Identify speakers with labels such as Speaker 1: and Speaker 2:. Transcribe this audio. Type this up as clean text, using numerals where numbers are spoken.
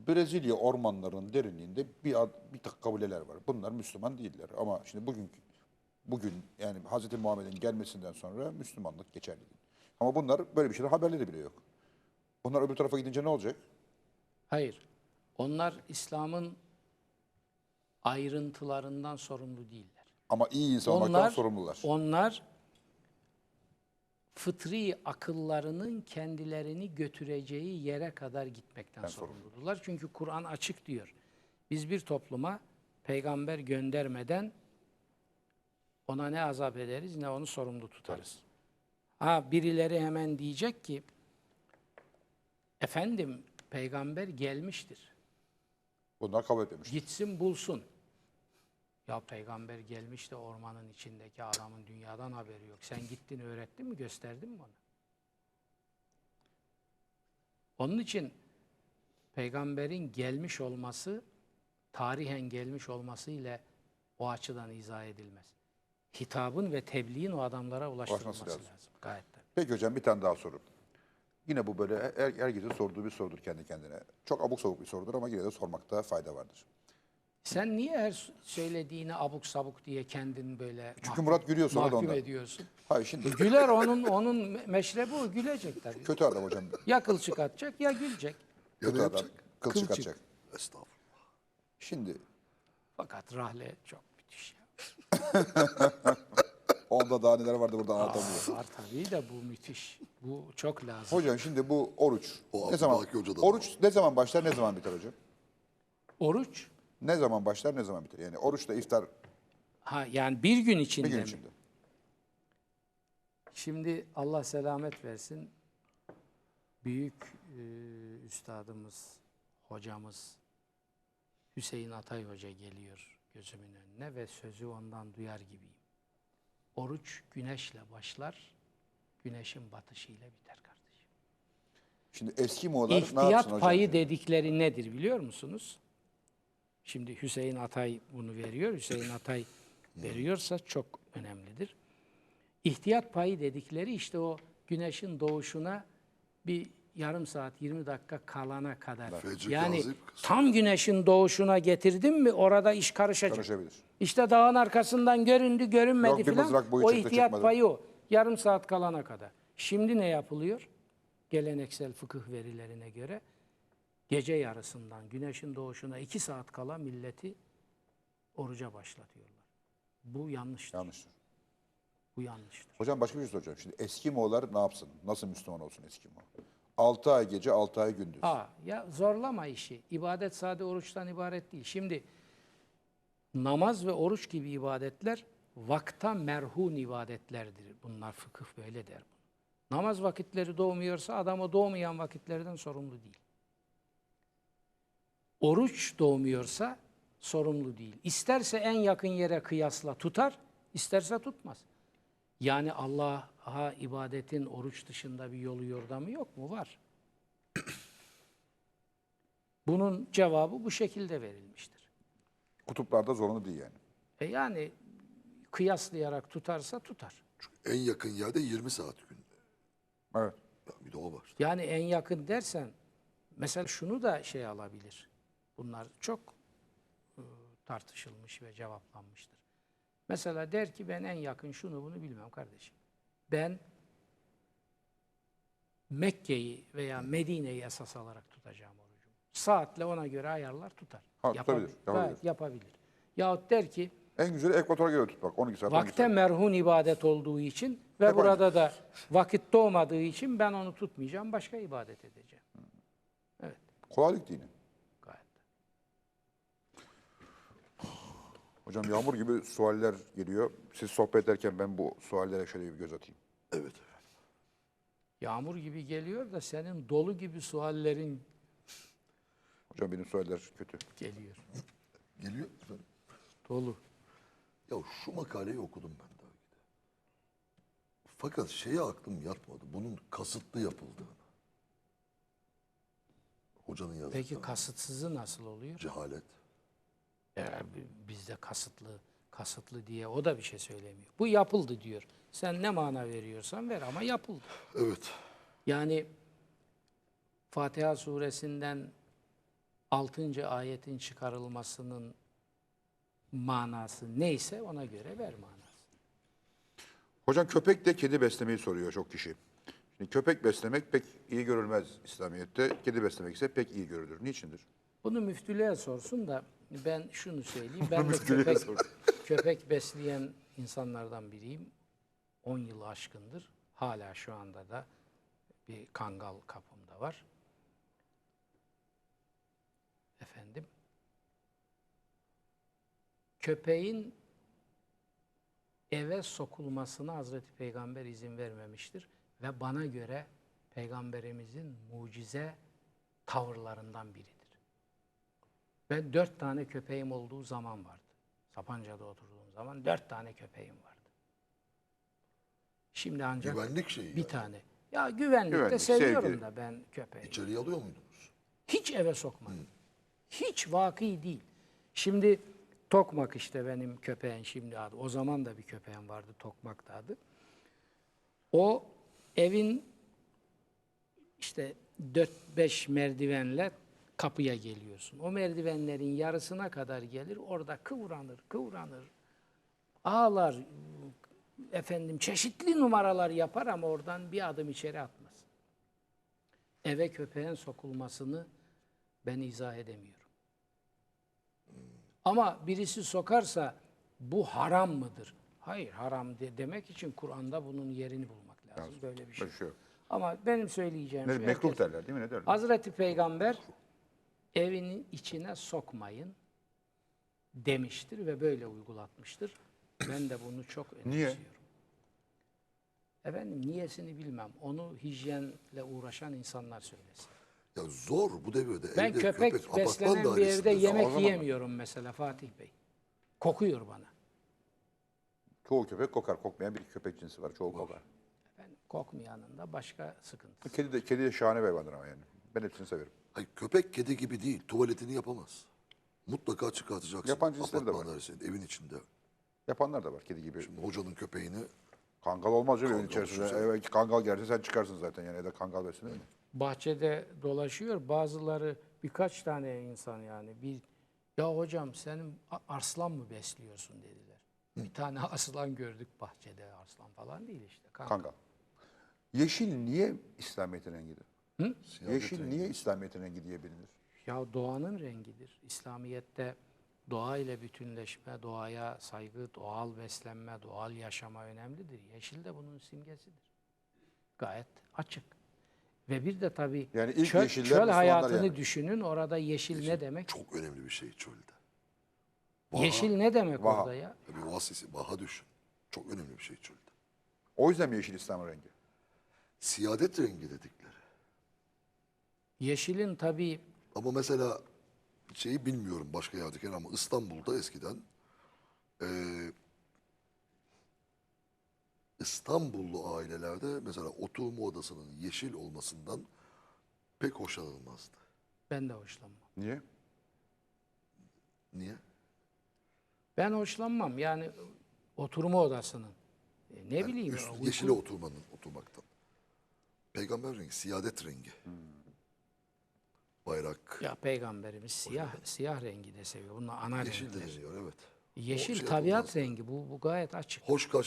Speaker 1: Brezilya ormanlarının derinliğinde bir takım kabileler var. Bunlar Müslüman değiller. Ama şimdi bugün yani Hz. Muhammed'in gelmesinden sonra Müslümanlık geçerli değil. Ama bunlar böyle bir şeyden haberleri bile yok. Bunlar öbür tarafa gidince ne olacak?
Speaker 2: Hayır. Onlar İslam'ın ayrıntılarından sorumlu değiller.
Speaker 1: Ama iyi insan olmaktan sorumlular.
Speaker 2: Onlar fıtri akıllarının kendilerini götüreceği yere kadar gitmekten sorumludular. Çünkü Kur'an açık diyor. Biz bir topluma peygamber göndermeden ona ne azap ederiz ne onu sorumlu tutarız. Ha birileri hemen diyecek ki efendim peygamber gelmiştir.
Speaker 1: Bunlar kabul etmemiştir.
Speaker 2: Gitsin bulsun. Ya peygamber gelmiş de ormanın içindeki adamın dünyadan haberi yok. Sen gittin öğrettin mi gösterdin mi ona? Onun için peygamberin gelmiş olması tarihen gelmiş olması ile o açıdan izah edilmez. Hitabın ve tebliğin o adamlara ulaştırılması lazım. Gayet tabii.
Speaker 1: Peki hocam bir tane daha soru. Yine bu böyle herkesin sorduğu bir sorudur kendi kendine. Çok abuk sabuk bir sorudur ama yine de sormakta fayda vardır.
Speaker 2: Sen niye her söylediğini abuk sabuk diye kendin böyle
Speaker 1: Çünkü Murat gülüyor sonra da
Speaker 2: mahkum
Speaker 1: ondan.
Speaker 2: ediyorsun?
Speaker 1: Hayır şimdi
Speaker 2: Güler onun meşrebi o, gülecek tabii.
Speaker 1: kötü adam hocam.
Speaker 2: Ya kılçık atacak ya gülecek.
Speaker 1: Kötü adam. Kılçık
Speaker 2: Kılçık.
Speaker 1: atacak.
Speaker 3: Estağfurullah.
Speaker 1: Şimdi
Speaker 2: Fakat rahle çok müthiş ya.
Speaker 1: onda daha neler vardı burada anlatamıyorum.
Speaker 2: Var tabii de bu müthiş. Bu çok lazım.
Speaker 1: Hocam şimdi bu oruç
Speaker 3: O
Speaker 1: ne zaman
Speaker 3: Abdülbaki Hoca'da da
Speaker 1: oruç ne zaman başlar ne zaman biter hocam?
Speaker 2: Oruç,
Speaker 1: Ne zaman başlar ne zaman biter? Yani oruçla iftar
Speaker 2: yani bir gün içinde
Speaker 1: bir gün
Speaker 2: mi?
Speaker 1: içinde.
Speaker 2: Şimdi Allah selamet versin. Büyük üstadımız, hocamız Hüseyin Atay Hoca geliyor gözümün önüne ve sözü ondan duyar gibiyim. Oruç güneşle başlar, güneşin batışıyla biter kardeşim.
Speaker 1: Şimdi eski Moğollar ne yapsın
Speaker 2: İhtiyat
Speaker 1: hocam?
Speaker 2: payı dedikleri nedir biliyor musunuz? Şimdi Hüseyin Atay bunu veriyor. Hüseyin Atay veriyorsa çok önemlidir. İhtiyat payı dedikleri işte o güneşin doğuşuna bir yarım saat 20 dakika kalana kadar.
Speaker 3: Fecr
Speaker 2: Yani
Speaker 3: kazip kısmı.
Speaker 2: tam güneşin doğuşuna getirdin mi orada iş karışacak.
Speaker 1: Karışabilir.
Speaker 2: İşte dağın arkasından göründü görünmedi
Speaker 1: Yok, bir
Speaker 2: filan.
Speaker 1: mızrak boyu
Speaker 2: O
Speaker 1: çıktı,
Speaker 2: ihtiyat
Speaker 1: çıkmadı.
Speaker 2: payı o. Yarım saat kalana kadar. Şimdi ne yapılıyor? Geleneksel fıkıh verilerine göre gece yarısından güneşin doğuşuna 2 saat kala milleti oruca başlatıyorlar. Bu yanlıştır.
Speaker 1: Yanlıştır.
Speaker 2: Bu yanlıştır.
Speaker 1: Hocam başka bir şey soracağım. Şimdi eski Moğollar ne yapsın? Nasıl Müslüman olsun eski Moğol? 6 ay gece 6 ay gündüz.
Speaker 2: Ya zorlama işi. İbadet sade oruçtan ibaret değil. Şimdi namaz ve oruç gibi ibadetler vakta merhun ibadetlerdir. Bunlar fıkıh böyle der. Namaz vakitleri doğmuyorsa adam o doğmayan vakitlerden sorumlu değil. Oruç doğmuyorsa sorumlu değil. İsterse en yakın yere kıyasla tutar, isterse tutmaz. Yani Allah'a ibadetin oruç dışında bir yolu yordamı yok mu? Var. Bunun cevabı bu şekilde verilmiştir.
Speaker 1: Kutuplarda zorunlu değil yani.
Speaker 2: Yani kıyaslayarak tutarsa tutar.
Speaker 3: En yakın yerde 20 saat günde.
Speaker 1: Evet.
Speaker 3: Ya bir de o var.
Speaker 2: Yani en yakın dersen mesela şunu da şey alabilir. Bunlar çok tartışılmış ve cevaplanmıştır. Mesela der ki ben en yakın şunu bunu bilmem kardeşim. Ben Mekke'yi veya Medine'yi esas alarak tutacağım orucumu. Saatle ona göre ayarlar tutar.
Speaker 1: Ha, tutabilir, yapabilir.
Speaker 2: Gayet yapabilir. Yahut der ki
Speaker 1: En güzeli ekvatora göre tutmak. 12 saat. 12
Speaker 2: vakte
Speaker 1: saat.
Speaker 2: merhun ibadet olduğu için ve
Speaker 1: Hep
Speaker 2: burada da vakit doğmadığı için ben onu tutmayacağım, başka ibadet edeceğim. Evet,
Speaker 1: Kolaylık dini.
Speaker 2: gayet.
Speaker 1: Hocam yağmur gibi sualler geliyor. Siz sohbet ederken ben bu suallere şöyle bir göz atayım.
Speaker 3: Evet.
Speaker 2: Yağmur gibi geliyor da senin dolu gibi suallerin
Speaker 1: Hocam benim sualler kötü.
Speaker 2: geliyor.
Speaker 3: Geliyor efendim.
Speaker 2: Dolu.
Speaker 3: Ya şu makaleyi okudum ben daha önce. Fakat şeye aklım yatmadı. Bunun kasıtlı yapıldığını. Hocanın yazdığı.
Speaker 2: Peki kasıtsızı nasıl oluyor?
Speaker 3: Cehalet.
Speaker 2: Bizde kasıtlı diye o da bir şey söylemiyor. Bu yapıldı diyor. Sen ne mana veriyorsan ver ama yapıldı.
Speaker 3: Evet.
Speaker 2: Yani Fatiha suresinden 6. ayetin çıkarılmasının manası neyse ona göre ver manası.
Speaker 1: Hocam köpek de kedi beslemeyi soruyor çok kişi. Şimdi köpek beslemek pek iyi görülmez İslamiyet'te. Kedi beslemek ise pek iyi görülür. Niçindir?
Speaker 2: Bunu müftülüğe sorsun da ben şunu söyleyeyim. Ben de
Speaker 1: Müftülüğe sor.
Speaker 2: köpek besleyen insanlardan biriyim. 10 yılı aşkındır. Hala şu anda da bir kangal kapımda var. Efendim. Köpeğin eve sokulmasına Hazreti Peygamber izin vermemiştir. Ve bana göre Peygamberimizin mucize tavırlarından biridir. Ben 4 tane köpeğim olduğu zaman vardı. Sapanca'da oturduğum zaman 4 tane köpeğim vardı. Şimdi ancak
Speaker 3: Güvenlik şeyi
Speaker 2: bir
Speaker 3: yani.
Speaker 2: tane. Ya güvenlikte
Speaker 1: Güvenlik,
Speaker 2: seviyorum
Speaker 1: sevgi.
Speaker 2: da ben köpeği.
Speaker 3: İçeriye alıyor muydunuz?
Speaker 2: Hiç eve sokmadım. Hiç vaki değil. Şimdi Tokmak işte benim köpeğin şimdi adı. O zaman da bir köpeğim vardı, Tokmak da adı. O evin işte 4-5 merdivenle kapıya geliyorsun. O merdivenlerin yarısına kadar gelir. Orada kıvranır. Ağlar, efendim çeşitli numaralar yapar ama oradan bir adım içeri atmaz. Eve köpeğin sokulmasını ben izah edemiyorum. Ama birisi sokarsa bu haram mıdır? Hayır, haram demek için Kur'an'da bunun yerini bulmak lazım. Böyle bir şey.
Speaker 1: Böyle bir şey yok.
Speaker 2: Ama benim söyleyeceğim
Speaker 1: Ne,
Speaker 2: şu,
Speaker 1: mekruh
Speaker 2: herkes-
Speaker 1: derler değil mi? Ne derler?
Speaker 2: Hazreti Peygamber evinin içine sokmayın demiştir ve böyle uygulatmıştır. Ben de bunu çok
Speaker 1: Niye?
Speaker 2: önemsiyorum. Efendim niyesini bilmem. Onu hijyenle uğraşan insanlar söylesin.
Speaker 3: Ya zor bu devirde.
Speaker 2: Ben
Speaker 3: evde
Speaker 2: köpek
Speaker 3: apartman
Speaker 2: beslenen bir
Speaker 3: dairesinde
Speaker 2: evde
Speaker 3: zor.
Speaker 2: yemek
Speaker 1: O zaman-
Speaker 2: yiyemiyorum mesela Fatih Bey. Kokuyor bana.
Speaker 1: Çoğu köpek kokar. Kokmayan bir köpek cinsi var. Çoğu kokar.
Speaker 2: Efendim, kokmayanın da başka sıkıntı.
Speaker 1: Kedi de şahane bir hayvandır ama yani. Ben hepsini severim.
Speaker 3: Hayır, köpek kedi gibi değil. Tuvaletini yapamaz. Mutlaka çıkartacaksın.
Speaker 1: Yapan cinsleri de
Speaker 3: Apartman
Speaker 1: var.
Speaker 3: dairesinde, evin içinde.
Speaker 1: Yapanlar da var kedi gibi.
Speaker 3: Şimdi hocanın köpeğini
Speaker 1: Kangal olmaz canım evin
Speaker 3: Kangal
Speaker 1: içerisinde.
Speaker 3: düşünsene.
Speaker 1: Evet, kangal gelirse sen çıkarsın zaten yani evde kangal beslenir mi?
Speaker 2: Bahçede dolaşıyor. Bazıları birkaç tane insan yani ya hocam senin arslan mı besliyorsun dediler. Bir tane aslan gördük bahçede, arslan falan değil işte.
Speaker 1: Kangal. Yeşil niye İslamiyet'in rengidir?
Speaker 3: Siyaset
Speaker 1: Yeşil
Speaker 3: rengi.
Speaker 1: niye İslamiyet'in rengi diye bilinir?
Speaker 2: Ya doğanın rengidir. İslamiyet'te doğa ile bütünleşme, doğaya saygı, doğal beslenme, doğal yaşama önemlidir. Yeşil de bunun simgesidir. Gayet açık. Ve bir de tabii
Speaker 1: Yani ilk
Speaker 2: çöl,
Speaker 1: yeşiller
Speaker 2: çöl
Speaker 1: Müslümanlar
Speaker 2: hayatını
Speaker 1: yani.
Speaker 2: düşünün. Orada yeşil ne demek?
Speaker 3: çok önemli bir şey çölde.
Speaker 2: Yeşil ne demek
Speaker 1: Vaha.
Speaker 2: orada ya?
Speaker 3: Bir vasisi, baha düşün. Çok önemli bir şey çölde.
Speaker 1: O yüzden mi yeşil İslam'ın rengi?
Speaker 3: Siyadet rengi dedikleri.
Speaker 2: Yeşilin tabii
Speaker 3: Ama mesela şeyi bilmiyorum başka yerdeki ama İstanbul'da eskiden İstanbullu ailelerde mesela oturma odasının yeşil olmasından pek hoşlanılmazdı.
Speaker 2: ben de hoşlanmam.
Speaker 1: Niye?
Speaker 3: Niye?
Speaker 2: Ben hoşlanmam. Yani oturma odasının. Ne bileyim.
Speaker 3: Üst,
Speaker 2: uyku-
Speaker 3: yeşile oturmaktan. Peygamber rengi, siyadet rengi. Bayrak.
Speaker 2: Ya peygamberimiz siyah rengi de seviyor. Bunlar ana
Speaker 3: Yeşil de
Speaker 2: renkler.
Speaker 3: deniyor evet. O
Speaker 2: Yeşil
Speaker 3: şey
Speaker 2: tabiat
Speaker 3: yapılmaz.
Speaker 2: rengi. Bu gayet açık.
Speaker 3: Hoş